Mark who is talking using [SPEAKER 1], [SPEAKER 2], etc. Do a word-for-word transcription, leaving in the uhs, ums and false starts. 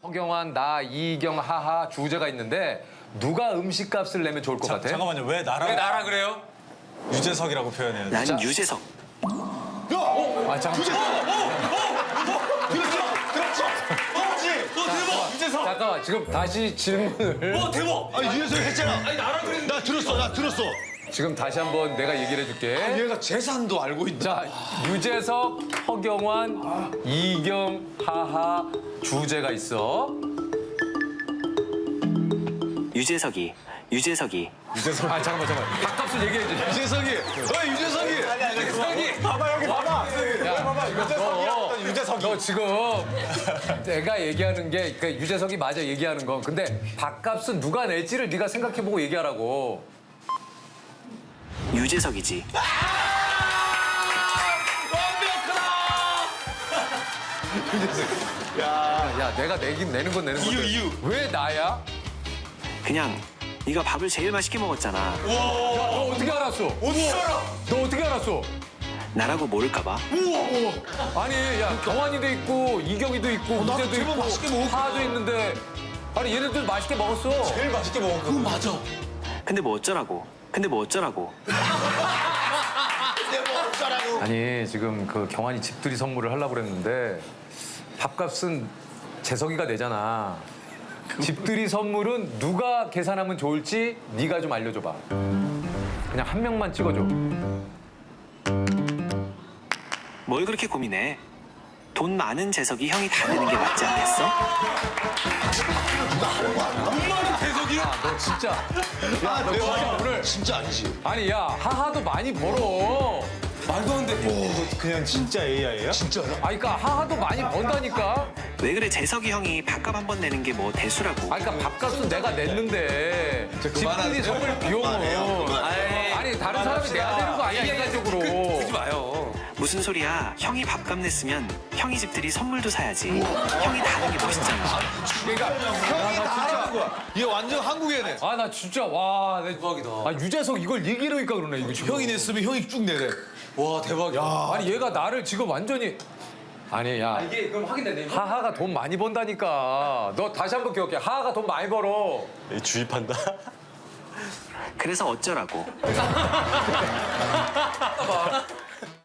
[SPEAKER 1] 허경환, 나, 이경, 하하 주제가 있는데 누가 음식값을 내면 좋을 것
[SPEAKER 2] 자,
[SPEAKER 1] 같아?
[SPEAKER 2] 잠깐만요. 왜 나라?
[SPEAKER 3] 왜 나라 그래요?
[SPEAKER 2] 유재석이라고 표현해요.
[SPEAKER 4] 난
[SPEAKER 1] 자.
[SPEAKER 4] 유재석.
[SPEAKER 1] 아, 잠깐.
[SPEAKER 2] 들었죠? 들었죠? 그렇지. 어 대박. 유재석.
[SPEAKER 1] 잠깐만, 지금 다시 질문을
[SPEAKER 3] 어 대박.
[SPEAKER 5] 아니 유재석 했잖아.
[SPEAKER 3] 아니 나라 그랬는데.
[SPEAKER 5] 나 들었어, 나 들었어.
[SPEAKER 1] 지금 다시 한번 내가 얘기를 해줄게.
[SPEAKER 5] 얘가 재산도 알고 있다.
[SPEAKER 1] 자, 유재석, 허경환, 이경, 하하 주제가 있어.
[SPEAKER 4] 유재석이. 유재석이.
[SPEAKER 1] 유재석. 아, 잠깐만, 잠깐만. 밥값을 얘기해야지.
[SPEAKER 5] 유재석이. 어, 유재석이. 아니 아니
[SPEAKER 3] 유재석이.
[SPEAKER 2] 봐봐 여기 봐봐.
[SPEAKER 1] 야,
[SPEAKER 2] 봐봐 유재석이었던
[SPEAKER 1] 너,
[SPEAKER 2] 유재석이.
[SPEAKER 1] 너 지금 내가 얘기하는 게 그 유재석이 맞아 얘기하는 건. 근데 밥값은 누가 낼지를 네가 생각해보고 얘기하라고.
[SPEAKER 4] 유재석이지.
[SPEAKER 1] 야, 내가 내긴 내는 건 내는 건데.
[SPEAKER 3] 이유, 이유.
[SPEAKER 1] 왜 나야?
[SPEAKER 4] 그냥 네가 밥을 제일 맛있게 먹었잖아.
[SPEAKER 1] 너 어떻게 알았어?
[SPEAKER 3] 어디 알아?
[SPEAKER 1] 너 어떻게 알았어?
[SPEAKER 4] 나라고 모를까 봐.
[SPEAKER 1] 아니, 야, 경환이도 있고 이경이도 있고
[SPEAKER 5] 나도
[SPEAKER 1] 우재도
[SPEAKER 5] 제법
[SPEAKER 1] 있고
[SPEAKER 5] 맛있게 먹었구나.
[SPEAKER 1] 하하도 있는데 아니 얘네들 맛있게 먹었어.
[SPEAKER 2] 제일 맛있게 먹었거든.
[SPEAKER 3] 맞아.
[SPEAKER 4] 근데 뭐 어쩌라고. 근데 뭐 어쩌라고.
[SPEAKER 1] 아니 지금 그 경환이 집들이 선물을 하려고 그랬는데 밥값은 재석이가 내잖아. 집들이 선물은 누가 계산하면 좋을지 네가 좀 알려줘봐. 그냥 한 명만 찍어줘.
[SPEAKER 4] 뭘 그렇게 고민해. 돈 많은 재석이 형이 다 내는 게 맞지 않겠어?
[SPEAKER 3] 엄마는 대석이야?
[SPEAKER 1] 아, 너 진짜. 야, 너 진짜 오늘.
[SPEAKER 5] 진짜 아니지.
[SPEAKER 1] 아니 야 하하도 많이 벌어.
[SPEAKER 3] 말도 안 돼.
[SPEAKER 2] 그냥 진짜 에이아이예요?
[SPEAKER 5] 진짜야?
[SPEAKER 1] 아니 그러니까 하하도 많이 번다니까.
[SPEAKER 4] 왜 그래 재석이 형이 밥값 한 번 내는 게 뭐 대수라고.
[SPEAKER 1] 아니 그러니까 밥값은 내가 냈는데 집들이 선물 비용은 아니 다른 사람이 내야 되는 거 아니야 인간적으로.
[SPEAKER 3] 그러지 마요.
[SPEAKER 4] 무슨 소리야. 형이 밥값 냈으면 형이 집들이 선물도 사야지. 형이 다 하는 게 멋있잖아.
[SPEAKER 1] 그러니까
[SPEAKER 5] 형이 다 하는 거야. 얘 완전 한국애네.
[SPEAKER 1] 아 나 진짜 와 내-
[SPEAKER 3] 대박이다.
[SPEAKER 1] 아 유재석 이걸 얘기를 하니까 그러네 이거 지금.
[SPEAKER 5] 형이 냈으면 형이 쭉 내래.
[SPEAKER 3] 와 대박이야.
[SPEAKER 1] 아니 얘가 나를 지금 완전히 아니 야
[SPEAKER 3] 이게 그럼 확인됐네.
[SPEAKER 1] 하하가 돈 많이 번다니까. 너 다시 한번 기억해. 하하가 돈 많이 벌어.
[SPEAKER 2] 주입한다.
[SPEAKER 4] 그래서 어쩌라고.